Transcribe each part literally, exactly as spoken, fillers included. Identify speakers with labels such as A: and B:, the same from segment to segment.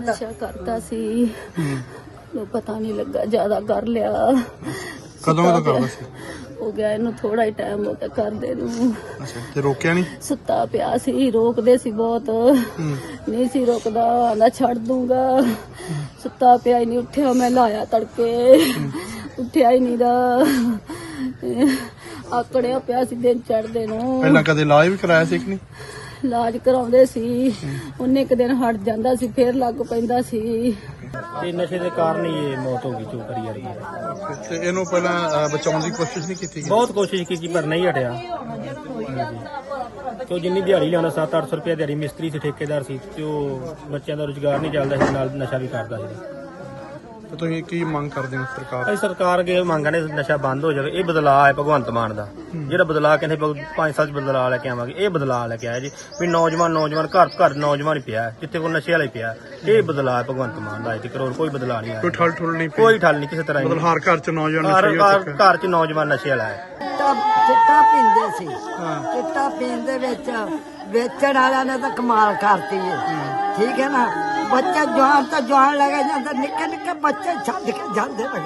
A: ਨਸ਼ਾ ਕਰਦਾ ਸੀ ਨੂੰ ਪਤਾ ਨਹੀਂ ਲੱਗਾ, ਜ਼ਿਆਦਾ ਕਰ ਲਿਆ।
B: ਕਦੋਂ ਕਦੋਂ ਕਰਦਾ ਸੀ?
A: ਹੋ ਗਿਆ ਇਹਨੂੰ ਥੋੜਾ ਹੀ ਟਾਈਮ ਹੋ ਗਿਆ ਕਰਦੇ ਨੂੰ।
B: ਅੱਛਾ, ਤੇ ਰੋਕਿਆ ਨਹੀਂ?
A: ਸੁੱਤਾ ਪਿਆ ਸੀ, ਰੋਕਦੇ ਸੀ ਬਹੁਤ, ਨਹੀਂ ਸੀ ਰੋਕਦਾ, ਆਂਦਾ ਛੱਡ ਦੂੰਗਾ। ਸੁੱਤਾ ਪਿਆ ਹੀ ਨਹੀਂ, ਉੱਠਿਆ ਮੈਂ ਲਾਇਆ ਤੜਕੇ, ਉੱਠਿਆ ਹੀ ਨਹੀਂ ਦਾ, ਆਕੜਿਆ ਪਿਆ ਸੀ ਦਿਨ ਚੜ੍ਹਦੇ ਨੂੰ।
B: ਪਹਿਲਾਂ ਕਦੇ ਇਲਾਜ ਵੀ ਕਰਾਇਆ ਸੀ ਕਿ ਨਹੀਂ?
A: ਇਲਾਜ ਕਰਾਉਂਦੇ ਸੀ, ਉਹਨੇ ਇੱਕ ਦਿਨ ਹਟ ਜਾਂਦਾ ਸੀ, ਫੇਰ ਲੱਗ ਪੈਂਦਾ ਸੀ।
C: ਤੇ ਨਸ਼ੇ ਦੇ ਕਾਰਨ ਹੀ ਇਹ ਮੌਤ ਹੋ ਗਈ ਜੋ ਕਰੀ ਜਾ ਰਹੀ ਹੈ।
B: ਤੇ ਇਹਨੂੰ ਪਹਿਲਾਂ ਬਚਾਉਣ ਦੀ ਕੋਸ਼ਿਸ਼ ਨਹੀਂ ਕੀਤੀ?
C: ਬਹੁਤ ਕੋਸ਼ਿਸ਼ ਕੀਤੀ ਪਰ ਨਹੀਂ ਹਟਿਆ। ਤੇ ਜਿੰਨੀ ਦਿਹਾੜੀ ਲਿਆਉਂਦਾ ਸੱਤ ਅੱਠ ਸੌ ਰੁਪਏ ਦਿਹਾੜੀ, ਮਿਸਤਰੀ ਸੀ, ਠੇਕੇਦਾਰ ਸੀ, ਤੇ ਉਹ ਬੱਚਿਆਂ ਦਾ ਰੁਜ਼ਗਾਰ ਨਹੀਂ ਚੱਲਦਾ ਸੀ, ਨਾਲ ਨਸ਼ਾ ਵੀ ਕਰਦਾ ਸੀ।
B: ਤੇ ਤੁਸੀਂ ਕੀ ਮੰਗ ਕਰਦੇ ਹੋ ਸਰਕਾਰ?
C: ਅਸੀਂ ਸਰਕਾਰ ਅੱਗੇ ਮੰਗ ਨੇ ਨਸ਼ਾ ਬੰਦ ਹੋ ਜਾਵੇ। ਇਹ ਬਦਲਾਅ ਹੈ ਭਗਵੰਤ ਮਾਨ ਦਾ, ਜਿਹੜਾ ਬਦਲਾਅ ਕਹਿੰਦੇ ਪੰਜ ਸਾਲ ਚ ਬਦਲਾਅ ਲੈ ਕੇ ਆਵਾਂਗੇ, ਇਹ ਬਦਲਾਅ ਲੈ ਕੇ ਆਇਆ ਜੀ। ਵੀ ਨੌਜਵਾਨ ਨੌਜਵਾਨ ਘਰ ਘਰ ਨੌਜਵਾਨ ਹੀ ਪਿਆ, ਜਿੱਥੇ ਕੋਈ ਨਸ਼ੇ ਵਾਲਾ ਹੀ ਪਿਆ। ਇਹ ਬਦਲਾਅ ਹੈ ਭਗਵੰਤ ਮਾਨ ਦਾ, ਇੱਕ ਕਰੋੜ ਕੋਈ ਬਦਲਾਅ ਨਹੀਂ ਆਇਆ।
B: ਕੋਈ ਠੱਲ ਠੁੱਲ ਨਹੀਂ?
C: ਕੋਈ ਠੱਲ ਨਹੀਂ ਕਿਸੇ ਤਰ੍ਹਾਂ।
B: ਮਤਲਬ ਹਰ ਘਰ ਚ ਨੌਜਵਾਨ
C: ਹਰ
B: ਨਸ਼ੇ ਹੋ
C: ਘਰ
B: ਚੁੱਕਾ।
C: ਘਰ ਚ ਨੌਜਵਾਨ ਨਸ਼ੇ ਵਾਲਾ ਹੈ।
D: ਚਿੱਟਾ ਪੀਂਦੇ ਸੀ, ਚਿੱਟਾ ਪੀਣ ਦੇ ਵਿੱਚ ਵੇਚਣ ਵਾਲਿਆਂ ਨੇ ਤਾਂ ਕਮਾਲ ਕਰਤੀ ਹੈ, ਠੀਕ ਹੈ ਨਾ। ਬੱਚੇ ਜਵਾਨ ਤੋਂ ਜਵਾਨ ਲੱਗੇ ਜਾਂਦੇ, ਨਿੱਕੇ ਨਿੱਕੇ ਬੱਚੇ ਛੱਡ ਕੇ ਜਾਂਦੇ ਲਗੇ।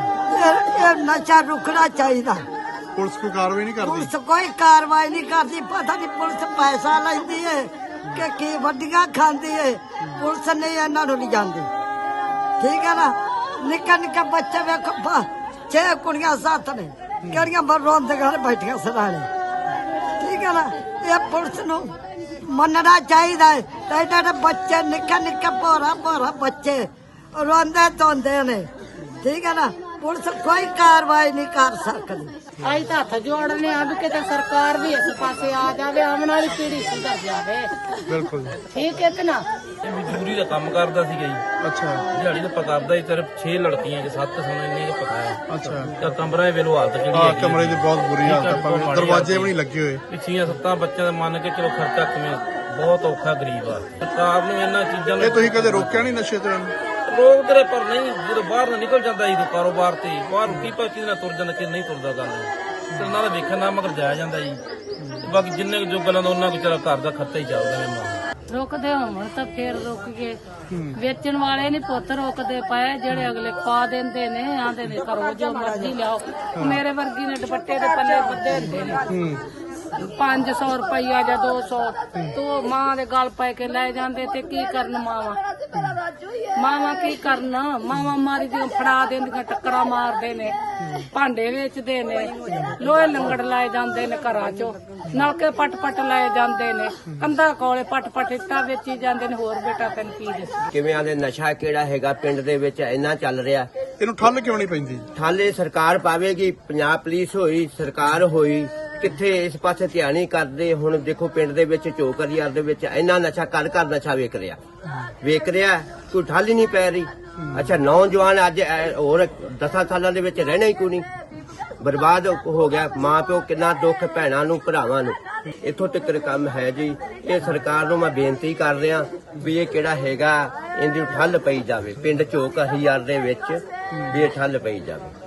D: ਇਹ ਨਸ਼ਾ ਰੁਕਣਾ ਚਾਹੀਦਾ।
B: ਪੁਲਿਸ ਕੋਈ ਕਾਰਵਾਈ ਨਹੀਂ ਕਰਦੀ?
D: ਪੁਲਿਸ ਕੋਈ ਕਾਰਵਾਈ ਨਹੀਂ ਕਰਦੀ। ਪਤਾ ਨਹੀਂ ਪੁਲਿਸ ਪੈਸਾ ਲੈਂਦੀ ਹੈ ਕਿ ਕੀ ਵੱਡੀਆਂ ਖਾਂਦੀ ਹੈ। ਪੁਲਿਸ ਨਹੀਂ ਇਹਨਾਂ ਨੂੰ ਨਹੀਂ ਜਾਂਦੀ, ਠੀਕ ਹੈ ਨਾ। ਨਿੱਕੇ ਨਿੱਕੇ ਬੱਚੇ ਵੇਖੋ, ਛੇ ਕੁੜੀਆਂ ਸੱਤ ਨੇ, ਕਿਹੜੀਆਂ ਰੋਂਦੇ ਘਰ ਬੈਠੀਆਂ ਸਰਾਣੇ, ਠੀਕ ਹੈ ਨਾ। ਇਹ ਪੁਲਿਸ ਨੂੰ ਮੰਨਣਾ ਚਾਹੀਦਾ ਹੈ। ਤੇ ਜਿਹੜੇ ਬੱਚੇ ਨਿੱਕੇ ਨਿੱਕੇ ਭੋਰਾ ਭੋਰਾ ਬੱਚੇ ਰੋਂਦੇ ਧੋਂਦੇ ਨੇ, ਠੀਕ ਹੈ ਨਾ। ਪੁਲਿਸ ਕੋਈ ਕਾਰਵਾਈ ਨਹੀਂ ਕਰ ਸਕਦੀ।
E: ਅਸੀਂ ਤਾਂ ਹੱਥ ਜੋੜਨੇ ਆ ਵੀ ਕਿਤੇ ਸਰਕਾਰ ਵੀ ਇਸ ਪਾਸੇ ਆ ਜਾਵੇ, ਆਉਣ ਵਾਲੀ ਪੀੜ੍ਹੀ ਸੁਧਰ ਜਾਵੇ।
B: ਬਿਲਕੁਲ,
E: ਠੀਕ ਹੈ ਕਿ ਨਾ।
F: ਮਜ਼ਦੂਰੀ ਦਾ ਕੰਮ ਕਰਦਾ ਸੀਗਾ ਜੀ।
B: ਅੱਛਾ,
F: ਦਿਹਾੜੀ ਤਾਂ ਕਰਦਾ ਹੀ, ਸਿਰਫ ਛੇ ਲੜਕੀਆਂ ਚ ਸੱਤ ਸੋਨੇ ਇੰਨੇ ਪਤਾ ਹੈ।
B: ਅੱਛਾ।
F: ਤਾਂ ਕਮਰਾ ਵੇਲੋ ਹਾਲਤ ਜਿਹੜੀ
B: ਹਾਂ,
F: ਹੈ
B: ਕਮਰੇ ਦੀ ਬਹੁਤ ਬੁਰੀ ਹਾਲਤ ਹੈ, ਭਾਵੇਂ ਦਰਵਾਜ਼ੇ ਵੀ ਨਹੀਂ ਲੱਗੇ ਹੋਏ।
F: ਪਿੱਛੀਆਂ ਸੱਤਾਂ ਬੱਚਿਆਂ ਦਾ ਮੰਨ ਕੇ ਚਲੋ ਖਰਚਾ ਕਿਵੇਂ, ਬਹੁਤ ਔਖਾ ਗਰੀਬ ਆ। ਸਰਕਾਰ ਨੂੰ ਇਹਨਾਂ ਚੀਜ਼ਾਂ ਨੂੰ
B: ਇਹ ਤੁਸੀਂ ਕਦੇ ਰੋਕਿਆ ਨਹੀਂ ਨਸ਼ੇ ਤੋਂ?
F: ਰੋਕ ਤੇਰੇ ਪਰ ਨਹੀਂ, ਜਦੋਂ ਬਾਹਰ ਨਾ ਨਿਕਲ ਜਾਂਦਾ ਜੀ ਕਾਰੋਬਾਰ ਤੇ, ਬਾਹਰ ਕੀ ਪਾ ਕਿਹਦੇ ਨਾਲ ਤੁਰ ਜਾਂਦਾ ਕਿ ਨਹੀਂ ਤੁਰਦਾ। ਗੱਲ ਤੇ ਨਾਲ ਦਾ ਵੇਖਣ ਨਾਲ ਮਗਰ ਜਾਇਆ ਜਾਂਦਾ ਜੀ। ਬਾਕੀ ਜਿੰਨੇ ਜੋ ਗੱਲਾਂ ਦਾ ਉਹਨਾਂ ਵਿਚਾਰਾ ਘਰ ਦਾ ਖਰਚਾ ਹੀ ਚੱਲਦਾ ਨੇ। ਮਾਂ
E: ਰੁਕਦੇ ਹੋਣ ਤਾਂ ਫੇਰ ਰੁਕ ਗਏ। ਵੇਚਣ ਵਾਲੇ ਨਹੀਂ ਪੁੱਤ ਰੁਕਦੇ ਪਏ, ਜਿਹੜੇ ਅਗਲੇ ਖਵਾ ਦਿੰਦੇ ਨੇ, ਆਂਦੇ ਨੇ ਕਰੋ ਜੋ ਮਰਜ਼ੀ ਲਿਆਓ। ਮੇਰੇ ਵਰਗੀ ਨੇ ਦੁਪੱਟੇ ਦੇ ਪੱਲੇ ਬੱਧੇ ਹੁੰਦੇ ਨੇ, ਪੰਜ ਸੌ ਰੁਪਈਆ ਜਾਂ ਦੋ ਸੌ ਤੋਂ ਮਾਂ ਦੇ ਗਲ ਪੈ ਕੇ ਲੈ ਜਾਂਦੇ। ਤੇ ਕੀ ਕਰਨ ਮਾਵਾਂ, ਮਾਵਾਂ ਕੀ ਕਰਨ। ਮਾਵਾਂ ਮਾਰੀ ਦੀਆਂ ਫੜਾ ਦਿੰਦੀਆਂ, ਟੱਕਰਾਂ ਮਾਰਦੇ ਨੇ, ਭਾਂਡੇ ਵੇਚਦੇ ਨੇ, ਲੋਹੇ ਲੰਗੜ ਲਾਏ ਜਾਂਦੇ ਨੇ ਘਰਾਂ ਚੋਂ, ਨਲਕੇ ਪੱਟ ਪੱਟ ਲਾਏ ਜਾਂਦੇ ਨੇ, ਕੰਧਾਂ ਕੋਲੇ ਪੱਟ ਪੱਟ ਇੱਟਾਂ ਵੇਚੀ ਜਾਂਦੇ ਨੇ। ਹੋਰ ਬੇਟਾ ਤੈਨੂੰ ਕੀ ਦੱਸਾਂ।
G: ਕਿਵੇਂ ਆਂਦੇ ਨਸ਼ਾ ਕਿਹੜਾ ਹੈਗਾ ਪਿੰਡ ਦੇ ਵਿੱਚ ਇੰਨਾ ਚੱਲ ਰਿਹਾ,
B: ਇਹਨੂੰ ਠੱਲ ਕਿਉਂ ਨਹੀਂ ਪੈਂਦੀ?
G: ਠਾਲੇ ਸਰਕਾਰ ਪਾਵੇਗੀ, ਪੰਜਾਬ ਪੁਲਿਸ ਹੋਈ, ਸਰਕਾਰ ਹੋਈ, ਕਿੱਥੇ ਇਸ ਪਾਸੇ ਧਿਆਨ ਨਹੀਂ ਕਰਦੇ। ਹੁਣ ਦੇਖੋ ਪਿੰਡ ਦੇ ਵਿੱਚ ਚੋਕਰ ਯਾਰ ਦੇ ਵਿੱਚ ਇੰਨਾ ਨਸ਼ਾ ਘਰ ਘਰ ਨਸ਼ਾ ਵੇਚ ਰਿਹਾ ਵੇਚ ਰਿਹਾ ਕੋਈ ਠੱਲ ਹੀ ਨਹੀਂ ਪੈ ਰਹੀ। ਅੱਛਾ, ਨੌਜਵਾਨ ਅੱਜ ਹੋਰ ਦਸਾਂ ਸਾਲਾਂ ਦੇ ਵਿੱਚ ਰਹਿਣਾ ਹੀ ਕੋਈ ਨਹੀਂ, ਬਰਬਾਦ ਹੋ ਗਿਆ। ਮਾਂ ਪਿਓ ਕਿੰਨਾ ਦੁੱਖ, ਭੈਣਾਂ ਨੂੰ ਭਰਾਵਾਂ ਨੂੰ। ਇੱਥੋਂ ਤੱਕ ਕੰਮ ਹੈ ਜੀ। ਇਹ ਸਰਕਾਰ ਨੂੰ ਮੈਂ ਬੇਨਤੀ ਕਰ ਰਿਹਾ ਵੀ ਇਹ ਕਿਹੜਾ ਹੈਗਾ, ਇਹਦੀ ਠੱਲ ਪਈ ਜਾਵੇ। ਪਿੰਡ ਚੋਕ ਹਜ਼ਾਰ ਦੇ ਵਿੱਚ ਵੀ ਇਹ ਠੱਲ ਪਈ ਜਾਵੇ।